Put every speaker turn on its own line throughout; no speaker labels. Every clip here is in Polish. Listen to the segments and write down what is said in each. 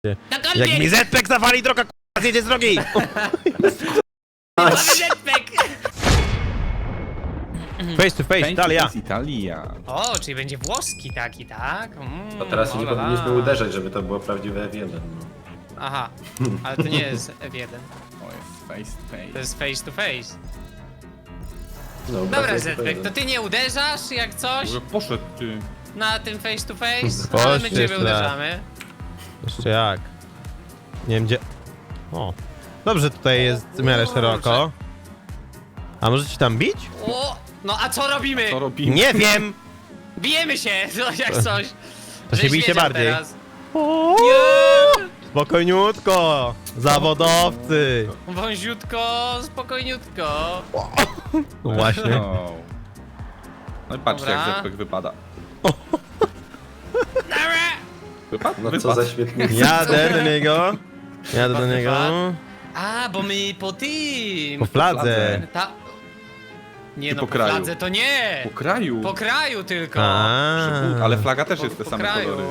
Jak mi Zpek zawali droga, k***a, zjedzie z drogi! Face to face, Italia.
Italia.
O, czyli będzie włoski taki, tak?
To teraz się nie powinniśmy uderzać, żeby to było prawdziwe F1. No.
Aha, ale to nie jest F1,
O, jest face to
to
face.
jest face to face.
No,
Dobra,
face to
Zpek,
face.
to ty nie uderzasz jak coś
Może poszedł ty.
na tym face to face,
Chodź,
ale my ciebie
jeszcze raz.
uderzamy.
Jeszcze jak? Nie wiem gdzie... O. Dobrze, tutaj jest w miarę szeroko. A może ci tam bić?
O, no a co robimy?
Co robimy?
Nie wiem!
Bijemy się, no, jak coś.
To się
Żeś
bijcie
wiedział
bardziej.
teraz.
O,
Nie!
spokojniutko! Zawodowcy!
Wąziutko, spokojniutko.
No właśnie.
No. No i patrzcie
Dobra.
jak Zpek wypada.
Dobra.
Wypadł?
No co
Wypadł.
za świetny.
Jadę do niego. Jadę do niego.
A, bo my po tym.
Po fladze.
Ta... Nie
Czy
no,
po
po
kraju?
fladze to nie.
Po kraju.
Po kraju tylko.
A.
Ale flaga też jest te
Po
same
kraju.
kolory.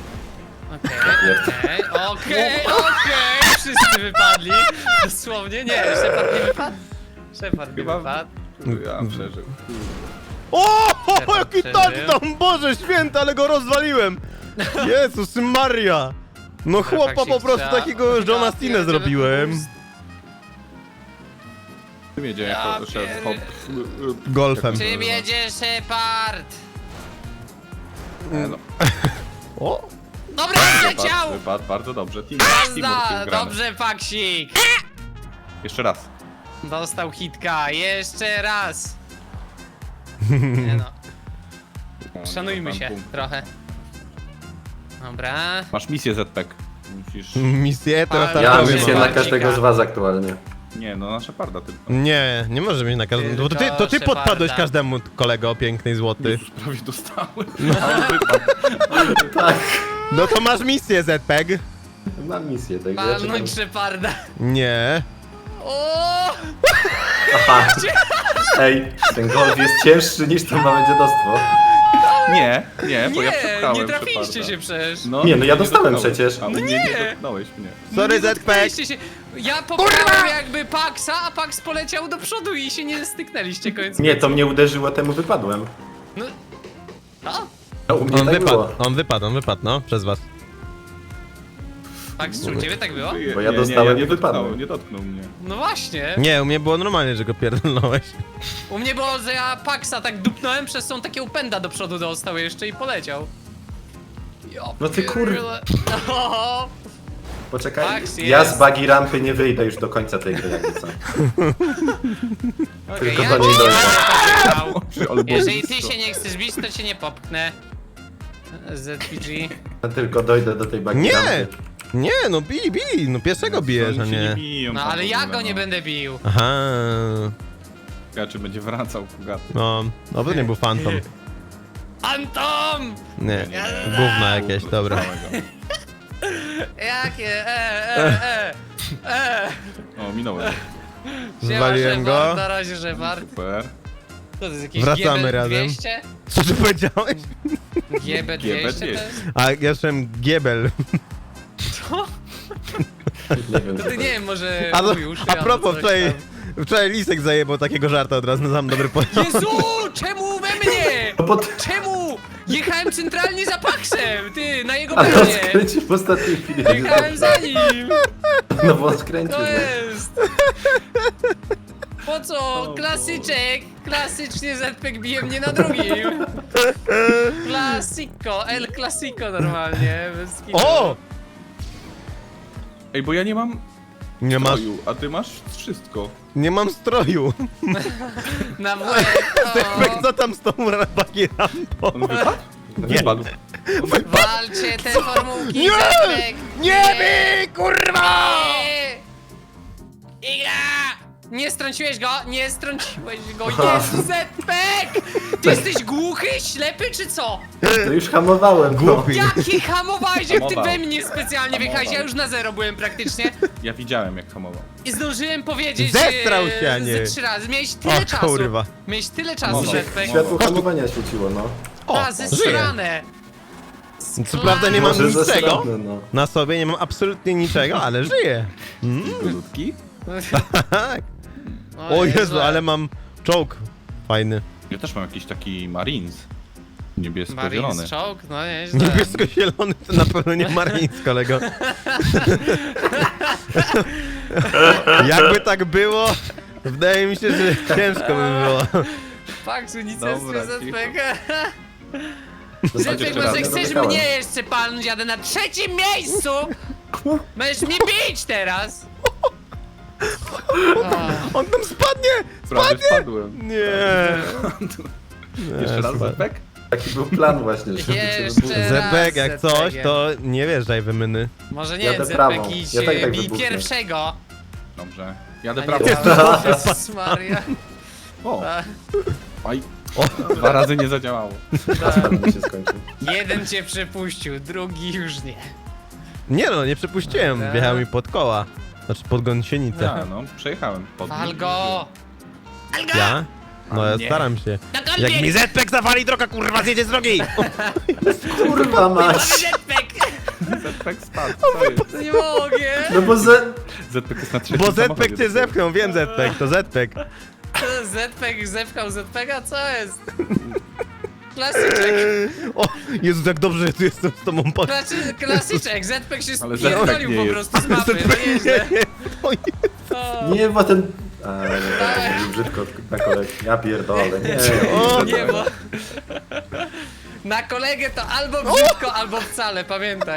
Okej, wszyscy wypadli. Dosłownie, nie, Shepard nie wypadł. Shepard nie
Chyba-
wypadł.
Ja przeżył.
O,
Shepard
jaki
przeżył.
touchdown! Boże święty, ale go rozwaliłem! Jezus Maria! No chłopa po prostu takiego Johna Cena zrobiłem.
Czym jedzie
Ja
jako szef? Hop.
Golfem.
Czym jedzie Shepard?
No.
O!
Dobra, zleciał!
Wypadł bardzo dobrze. Teamwork
Jazda!
gramy.
Dobrze, Paksik!
Jeszcze raz.
Dostał hitka, jeszcze raz! Nie no, szanujmy
Tam
się
punkt.
trochę. Dobra.
Masz misję Zpek. Musisz...
Misję teraz
Ja
Ja
tak
mam
powiem,
misję
no.
na każdego z was aktualnie.
Nie, no na Sheparda tylko.
Nie, nie może mieć na każdym. Bo to ty
Tylko
podpadłeś
Sheparda.
każdemu, kolego, piękny i złoty.
Jezus, prawie dostałem. A on wypadł.
Tak.
No to masz misję, Zpek.
Mam misję, także ja czekam.
Palnąć Sheparda.
Nie.
O!
Aha. Ej, ten golf jest cięższy niż to małe dziadostwo.
Nie, bo ja
Nie,
przepchałem
nie trafiliście
Sheparda.
się przecież.
Nie, no ja dostałem
dotknąłeś.
przecież.
A
No
mnie
nie.
nie dotknąłeś mnie.
Sorry,
Nie
Zpek.
dotknęliście się. Ja popchałem jakby Paxa, a Pax poleciał do przodu i się nie styknęliście końcem.
Nie, to mnie uderzyło, temu wypadłem.
No. O!
No, u mnie
On
tak
wypadł,
było.
on wypadł, no, przez was.
Pax, czy u ciebie tak było?
Bo ja dostałem
nie
i wypadłem.
dotknął, nie dotknął mnie.
No właśnie.
Nie, u mnie było normalnie, że go pierdolnąłeś.
U mnie było, że ja Paxa tak dupnąłem, przez tą takiego pęda do przodu dostał jeszcze i poleciał. Ja
No ty
pierdzielę. O,
Poczekaj,
Max
ja
jest.
z buggy rampy nie wyjdę już do końca tej gry, jakby co.
okej,
Tylko
ja
do niej
cię
dojdę.
nie popchnął.
Ale
Jeżeli ty
błędno.
się nie chcesz bić, to cię nie popchnę. ZPG.
Ja tylko dojdę do tej buggy
Nie!
rampy.
Nie, no bili, no pierwszego bijesz, a
Oni się
nie.
biją
No
tam
ale
w
ja
ogóle,
go
no.
nie będę bił.
Aha.
Ja czy będzie wracał Kugaty.
No, to nie był fantom.
Antom!
Nie, gówna jakieś, dobra.
Całego.
Jakie?
O, minąłem.
Siema,
Zwaliłem
Shepard,
go.
na razie Shepard.
Super.
To jest jakiś
Wracamy
GB
razem.
200?
Co ty powiedziałeś?
GB 200 to jest?
A ja słyszałem giebel.
Co?
Nie wiem,
To
co
ty nie wiem, może
A,
mój uszy,
a
albo
propos,
coś
wczoraj Lisek zajebał takiego żarta od razu na sam dobry poziom.
Jezu, czemu we mnie?
No bo
Czemu? Jechałem centralnie za Paxem, ty, na jego
ale on
pełnie.
skręcił w ostatniej chwili.
Jechałem za nim.
No bo on skręcił.
To
no.
jest. Po co? Klasyczek. Klasycznie ZPEG bije mnie na drugim. Klasiko, El Clasico normalnie. Bez kitu.
O!
Ej, bo ja nie mam
Nie masz,
stroju, a ty masz wszystko.
nie mam stroju.
Na łeb.
Co tam z tą bagi rampą?
On wypadł?
Nie.
Wypadł.
Walcie te formułki,
Nie!
ZPEG.
Nie bij, kurwa!
Iga! Nie strąciłeś go, nie strąciłeś go, Jezu, ZPEG! Ty jesteś głuchy, ślepy czy co?
To już hamowałem.
Głupi.
Jaki hamowałeś, jak ty
Hamował.
we mnie specjalnie wjechałeś, ja już na zero byłem praktycznie.
Ja widziałem jak hamował.
I zdążyłem powiedzieć
Zestrał się, a nie.
ze 3 razy, miałeś tyle
O,
czasu.
kurwa.
Miałeś tyle czasu,
Mowa.
ZPEG.
Światło hamowania świeciło, no.
O,
A,
żyje.
zesrane.
Co prawda nie mam
Może
niczego
zasrane, no.
na sobie, nie mam absolutnie niczego, ale żyję.
Ludki?
Tak. O Jezu, ale mam czołg fajny.
Ja też mam jakiś taki Marines. Niebiesko-zielony.
Marines czołg? No nieźle.
Niebiesko-zielony to na pewno nie Marines, kolego. Jakby tak było, wydaje mi się, że ciężko by było.
Fakt, że nic
Dobra,
jest
cicho.
ZPG.
Zostańcie
ZPG,
jeszcze
może
raz, nie
chcesz
dotykałem.
mnie jeszcze palnąć, jadę na 3. miejscu! Będziesz mnie bić teraz! O,
On tam spadnie!
Prawie spadłem.
Nie.
Jeszcze raz
super.
Zepek?
Taki był plan właśnie, żeby cię
Jeszcze
wybudzić.
raz.
Zebek, jak coś,
ZPG.
to nie wjeżdżaj w myny.
może nie,
Jadę
ZPG,
prawą.
idź
Ja tak
bij
wybuchnę.
pierwszego.
Dobrze.
A
Jadę
nie
prawo.
prawą. Jezus Maria.
O,
A,
aj. 2 razy nie zadziałało.
Asfalt mi się skończył.
jeden cię przepuścił, drugi już nie.
Nie no, nie przepuściłem,
Dobra.
wjechał mi pod koła. Znaczy pod gąsienicę.
Ja, no, przejechałem pod nim.
Wal go! Wal go!
Ja? No ja
Nie.
staram się.
Na
Jak
kolbieg!
mi Zpek zawali, droga kurwa zjedzie z drogi!
Kurwa mać!
Zpek!
Zepek spadł. Co jest?
Nie mogę!
No bo
Zepek jest na trzecim
Bo Zpek
samochodzie.
cię zepchnął, wiem Zpek, to Zpek.
Zpek zepchał Zpega, co jest? Klasyczek,
O, Jezu, jak dobrze, że tu jestem z tobą po...
klasyczek, Zpek się
Ale Zpek
spierdolił
nie
po
jest.
prostu z mapy, no nieźle.
Oj,
O,
nie, bo ten... A, nie, to mówił brzydko na kolegę. Ja pierdolę, nie.
O,
nie, bo... Na kolegę to albo brzydko, albo wcale, pamiętaj.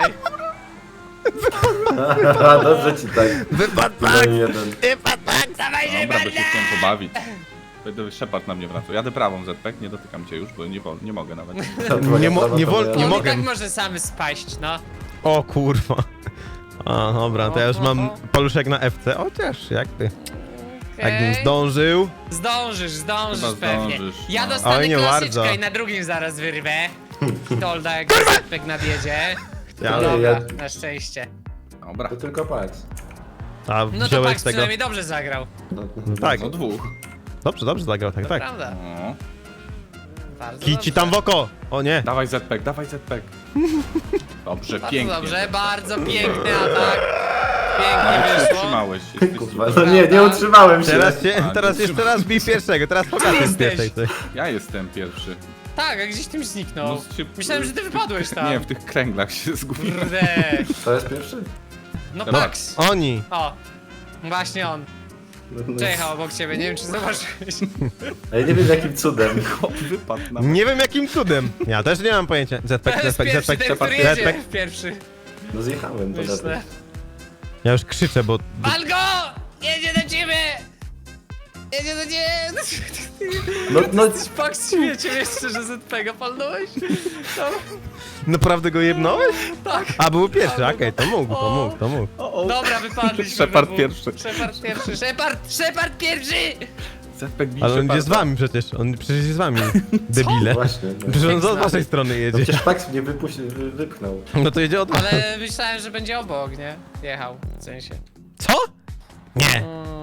Aha, dobrze ci tak.
wypadł
No
tak,
i jeden.
wypadł tak.
Dawaj,
Dobra, by się chciałem pobawić. Będę Shepard na mnie wracał. Jadę prawą Zepek, nie dotykam cię już, bo nie mogę nawet.
Nie
On
mogę.
i tak może sam spaść, no.
O kurwa. A, dobra, to ja już mam paluszek na FC, chociaż jak ty. Jakbym
Okej.
zdążył.
Zdążysz
Chyba
pewnie.
zdążysz,
Ja
no.
dostanę
Oj, nie
klasyczka
bardzo.
i na drugim zaraz wyrwę. Tolda jak Zpek nadjedzie.
Ja,
No
Nie,
dobra,
ja-
na szczęście.
Dobra,
To tylko patrz.
a
No to
wziąłeś
Pax
tego.
przynajmniej dobrze zagrał.
Tak,
no 2.
dobrze zagrał, tak,
To
tak.
prawda.
O.
Bardzo
Kici
dobrze.
tam w oko! O nie.
Dawaj Zepek, dawaj Zepek. Dobrze,
Bardzo
pięknie.
dobrze, bardzo piękny atak. Pięknie
Nawet się
wyszło.
utrzymałeś.
Kurwa, no nie utrzymałem się.
Teraz jeszcze raz bij pierwszego, teraz pokażę z
Jesteś.
pierwszej coś.
Ja jestem pierwszy.
Tak, a gdzieś tym zniknął.
No, się-
Myślałem, że ty wypadłeś tam.
Nie, w tych kręglach się zgubiłem.
Kurde.
To jest pierwszy?
No
Dobra.
Pax.
Oni.
O. Właśnie on.
No,
Przejechał obok ciebie, nie wiem czy zobaczyłeś.
a ja nie wiem jakim cudem.
Chłop wypadł na
Nie wiem jakim cudem. Ja też nie mam pojęcia.
To
Zpek,
jest
Zpek,
pierwszy,
Zpek,
ten, który
Zpek,
jedzie
Zpek.
pierwszy.
No zjechałem, to
Myślę.
lepiej.
Ja już krzyczę, bo...
Wal go! Jedzie do ciebie! Jedzie do ciebie!
No,
Pax śmiecie jeszcze, że ZPG palnąłeś? No,
Naprawdę go jebnąłeś?
tak.
A, był pierwszy,
Albo-
okej, to mógł, to mógł, to mógł.
Dobra, wypadliśmy.
Shepard
we dwóch.
pierwszy.
Shepard pierwszy. Shepard pierwszy!
Zepek bij
Ale on
Sheparda.
idzie z wami przecież, on przecież jest z wami, debile.
właśnie. No.
Przecież on z waszej strony
No
jedzie.
przecież Pax mnie wypchnął.
No to jedzie od was.
Ale myślałem, że będzie obok, nie? Jechał, w sensie.
Co? Nie.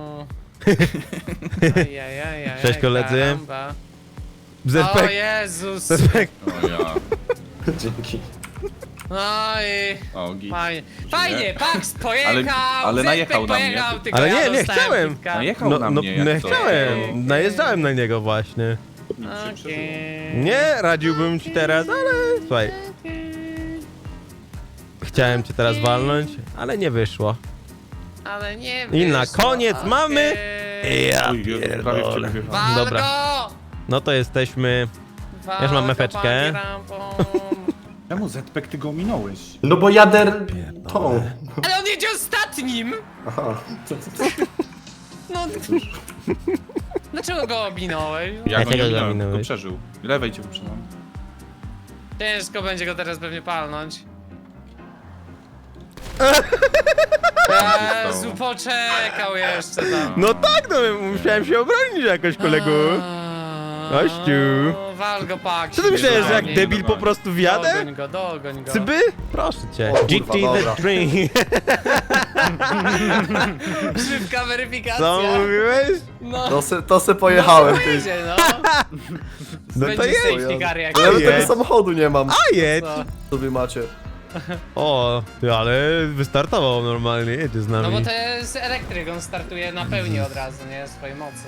Ajajajaj,
Cześć, koledzy.
karamba. O
Zpek,
Jezus!
Zpek.
O ja.
Dzięki.
No i...
O, git.
Fajnie, fajnie, Pax pojechał,
ale
Zpek
najechał na mnie.
pojechał, tylko
Ale
ja
nie
dostałem
chciałem.
piłka.
Najechał
No,
na
no,
mnie
no
jak coś.
chciałem, najeżdżałem na niego właśnie.
Okej.
Nie, radziłbym ci teraz, ale słuchaj. Chciałem cię teraz walnąć, ale nie wyszło.
Ale nie
I na
wyszło,
koniec
okej.
mamy- Ja
Oj, Jezu, prawie w ciebie
pierdolę.
wjechałem.
Wal
Dobra.
go!
No to jesteśmy...
Wal
Ja już mam
go,
mefeczkę.
panie rampą.
Czemu Zepek ty go ominąłeś?
No bo jadę tą.
Ale on jedzie ostatnim!
Aha.
No... Dlaczego go ominąłeś?
Ja go
Dlaczego
nie
go
ominąłem,
ominąłeś?
tylko przeżył. Lewej cię wyprzedzam.
Ciężko będzie go teraz pewnie palnąć. Jezu,
stało?
poczekał jeszcze tam.
No tak, no musiałem się obronić jakoś, kolego. Gościu.
Wal go, pak.
Co ty myślałeś, że jak
nie,
debil
nie,
po prostu wjadę?
Dogoń go.
Cyby? Proszę cię.
O kurwa,
GT
dobra.
the Dream.
Szybka weryfikacja.
Co mówiłeś?
No.
To se pojechałem,
No,
ty.
wyjdzie, no.
No to
Będzie
jedź.
safety car
Ja
jakiś.
nawet
jedź.
tego samochodu nie mam.
A jedź.
Co?
Co wy macie?
O, ty, ale wystartował normalnie, jedzie z nami.
No bo to jest elektryk, on startuje na pełni od razu, nie? Swojej mocy.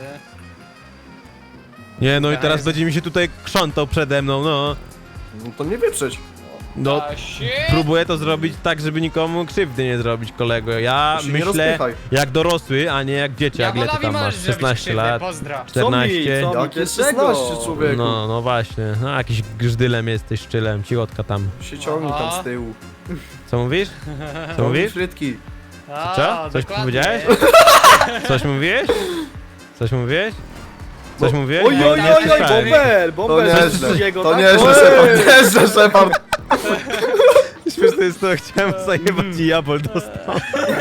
Nie, no i
To
teraz
jest-
będzie mi się tutaj krzątał przede mną, no.
No to nie wyprzeć.
No,
Stasiek?
próbuję to zrobić tak, żeby nikomu krzywdy nie zrobić, kolego. Ja
To się nie
myślę
rozpychaj.
jak dorosły, a nie jak dzieciak. Ile ty
Jawolowi
tam
możesz
masz?
zrobić
16
krzywdę,
lat?
pozdro.
14?
Co mi?
Jak jest
Dlaczego?
16, człowieku?
No, no właśnie. No, jakiś grzdylem jesteś, szczylem, cichotka tam.
Się ciągnij tam z tyłu.
Co mówisz? Co mówisz?
Frytki.
A,
Co? Coś
dokładnie.
powiedziałeś? Coś mówiłeś? Coś mówiłeś? Coś mówiłeś?
Oj,
Bo
oj,
nie
oj, oj,
słyszałem.
bomber,
To
bomber.
nieźle.
Drugiego,
To
tak?
nieźle,
Oj!
Shepard. Nieźle, Shepard.
Śmieszne jest to, chciałem zajebać i jabol dostał.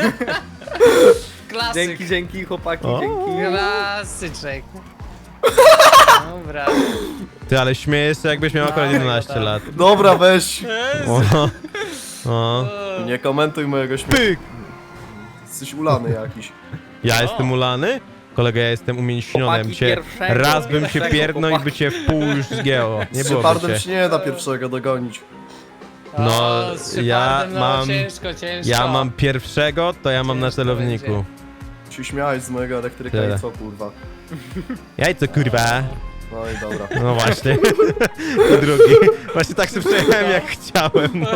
Klasyk.
Dzięki, chłopaki,
O.
dzięki.
Klasyczek. Dobra.
Ty, ale śmiejesz się jakbyś miał akurat
No,
11
tak.
lat.
Dobra, weź.
O, o.
Nie komentuj mojego śmiechu.
Pyk!
Jesteś ulany jakiś.
Ja jestem ulany? Kolego, ja jestem umięśniony, ja bym
Chłopaki
cię...
pierwszego,
Raz bym się
pierwszego
pierdnął i by
chłopaki.
cię w pół już zgięło. Nie
Z
byłoby
Shepardem
cię.
się nie da pierwszego dogonić.
No,
O, z
ja
Shepardem, no,
mam-
ciężko.
Ja mam pierwszego, to ja mam na
Ciężko
celowniku.
będzie.
Się śmiałeś z mojego elektryka
Tyle.
i co, kurwa.
Jajco, kurwa.
No i dobra.
No właśnie. I drugi. Właśnie tak sobie przejechałem jak chciałem, no.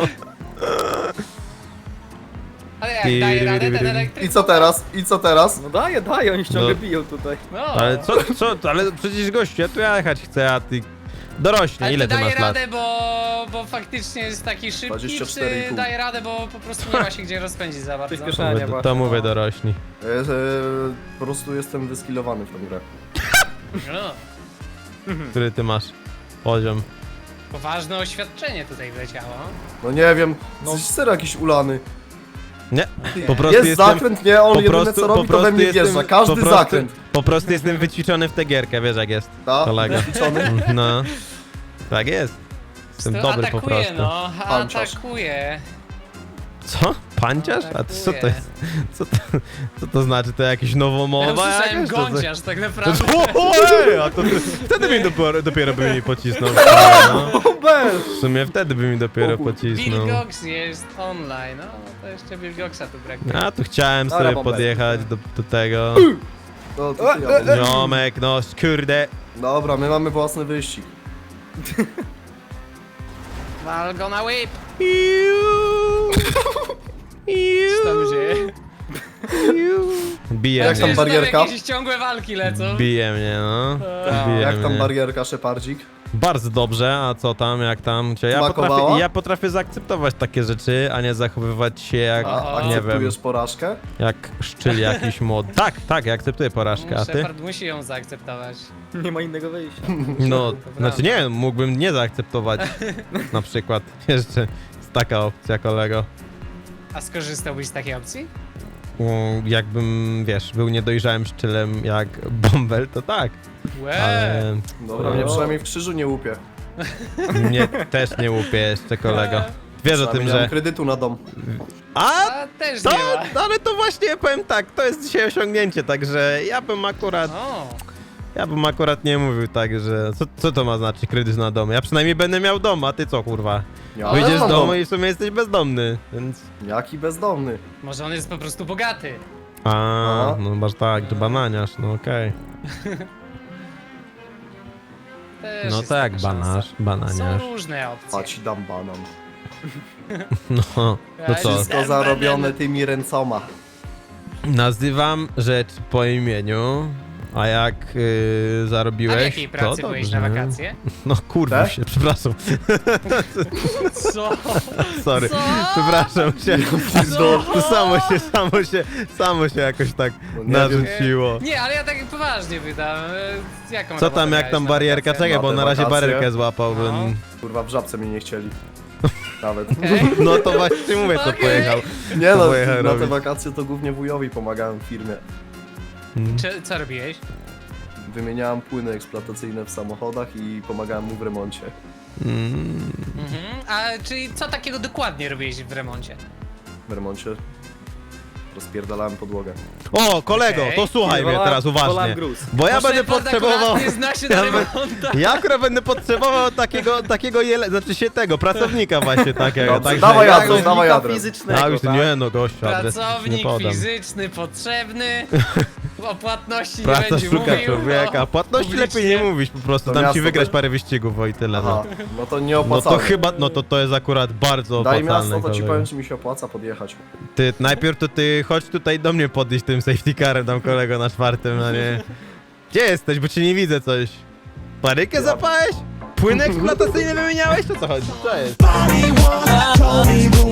Ale jak daje radę ten elektryk?
I co teraz? I co teraz?
No daję, oni ciągle
No.
biją tutaj.
No.
Ale co, ale przecież gościu, ja tu jechać chcę, a ty... Dorośnie,
Ale
ile
czy
ty
daje
masz lat?
radę, bo faktycznie jest taki szybki,
24,5.
czy daje radę, bo po prostu nie ma się gdzie rozpędzić za bardzo?
Przyspieszenie.
To
właśnie,
mówię
no.
dorośli.
Po prostu jestem wyskillowany w tę grę.
No.
Który ty masz poziom?
Poważne oświadczenie tutaj wleciało.
No nie wiem, jesteś serio jakiś ulany.
Nie, po prostu
Jest
jestem...
zakręt, nie? On jedyne co robi, to we mnie wjeżdża. Każdy zakręt.
Po prostu jestem wyćwiczony w tę gierkę, wiesz jak jest,
Tak?
kolega.
Ćwiczony?
No, tak jest. Jestem
To
dobry po
atakuje,
prostu.
no,
Panciarz.
atakuje.
Co? Panciarz? A to co to jest? Co to znaczy? To jakieś
Ja
nowomowa
usłyszałem
jakaś? To co?
gąciarz tak naprawdę.
Ej, a to wtedy mi dopiero by mi pocisnął. No.
Bomber!
W sumie wtedy by mi dopiero
O kur-
pocisnął.
Wilgox jest online, no to jeszcze Wilgoxa tu brakuje.
A tu chciałem
Dobra,
sobie
bombę.
podjechać do tego.
No, to ty, ja mam.
Ziomek, no kurde.
Dobra, my mamy własny wyścig.
Wal go na whip!
Iu.
Co tam dzieje?
Bije
Jak tam
mnie.
Że
barierka?
jakieś ciągłe walki lecą.
Bije mnie, no. Bije
Jak tam
mnie.
barierka, Shepardzik?
Bardzo dobrze, a co tam, jak tam?
Smakowała?
Ja potrafię zaakceptować takie rzeczy, a nie zachowywać się jak,
A
nie wiem,
akceptujesz porażkę?
jak szczyl jakiś młody. Tak, ja akceptuję porażkę, a ty?
Shepard musi ją zaakceptować.
Nie ma innego wyjścia.
No,
To
znaczy
prawda.
nie, mógłbym nie zaakceptować. Na przykład, jeszcze jest taka opcja, kolego.
A skorzystałbyś z takiej opcji?
Jakbym, wiesz, był niedojrzałym szczylem jak Bumble, to tak, ale
Dobra, mnie przynajmniej w krzyżu nie łupie.
mnie też nie łupie jeszcze, kolego. Wiesz o tym,
Nie mam
że...
kredytu na dom.
A,
A też
to,
nie ma.
ale to właśnie powiem tak, to jest dzisiaj osiągnięcie, także ja bym akurat nie mówił tak, że co to ma znaczyć kredyt na dom? Ja przynajmniej będę miał dom, a ty co kurwa?
Ja
Wyjdziesz
też
z
mam
domu
dom.
i w sumie jesteś bezdomny, więc...
Jaki bezdomny.
Może on jest po prostu bogaty.
A,
No.
no masz tak, że bananiarz, no okej.
Też
No
jest
tak,
taka szansa. Są
bananiarz.
różne
A
opcje.
ci dam banan.
No, no co?
Wszystko zarobione tymi ręcoma.
Nazywam rzecz po imieniu, a jak
A
zarobiłeś,
w jakiej pracy
to
byłeś
dobrze.
na wakacje?
No kurwa
Tak?
się, przepraszam,
Co?
sorry,
Co?
przepraszam się.
Co?
To samo się jakoś tak
No nie wiem.
narzuciło.
Nie, ale ja tak poważnie pytam. Jaką
Co
robotę
tam, jak
miałeś
tam
na
barierka?
wakacje?
Czekaj, bo
Na te
na razie
wakacje.
barierkę złapałbym.
No.
Kurwa, w żabce mnie nie chcieli. Nawet.
Okej.
No to właśnie mówię, co
Okej.
pojechał.
Nie no,
pojechał
na te
robić?
wakacje to głównie wujowi pomagałem w firmie.
Co robiłeś?
wymieniałem płyny eksploatacyjne w samochodach i pomagałem mu w remoncie.
A czyli co takiego dokładnie robiłeś w remoncie?
W remoncie rozpierdalałem podłogę.
O, kolego,
Okej.
to słuchaj mnie teraz uważnie.
Wolałem gruz.
Bo ja będę
Shepard
potrzebował...
akurat nie zna się na remontach.
Ja akurat będę potrzebował takiego znaczy się tego, pracownika właśnie takiego.
Dobrze,
Także
dawaj
ja-
adres, dawaj adres.
fizycznego,
A już
tak?
nie no, gościu, adres nie
Pracownik
podam.
fizyczny potrzebny. O płatności nie
Praca
będzie
szuka
mówił.
człowieka, płatności lepiej nie mówić po prostu,
To
dam ci
miasto
wygrać
to-
parę wyścigów, o i tyle.
Aha,
No.
no to nie
No
opłacalne.
to chyba, no to jest akurat bardzo
Daj
opłacalne.
miasto, to ci
kolego.
powiem, czy mi się opłaca podjechać.
Ty, najpierw to ty chodź tutaj do mnie podejść tym safety carem tam kolego na czwartym, no nie. Gdzie jesteś, bo cię nie widzę coś. Parykę zapałeś? Płyn eksploatacyjny wymieniałeś? To co chodzi? Co jest?
Body once told me the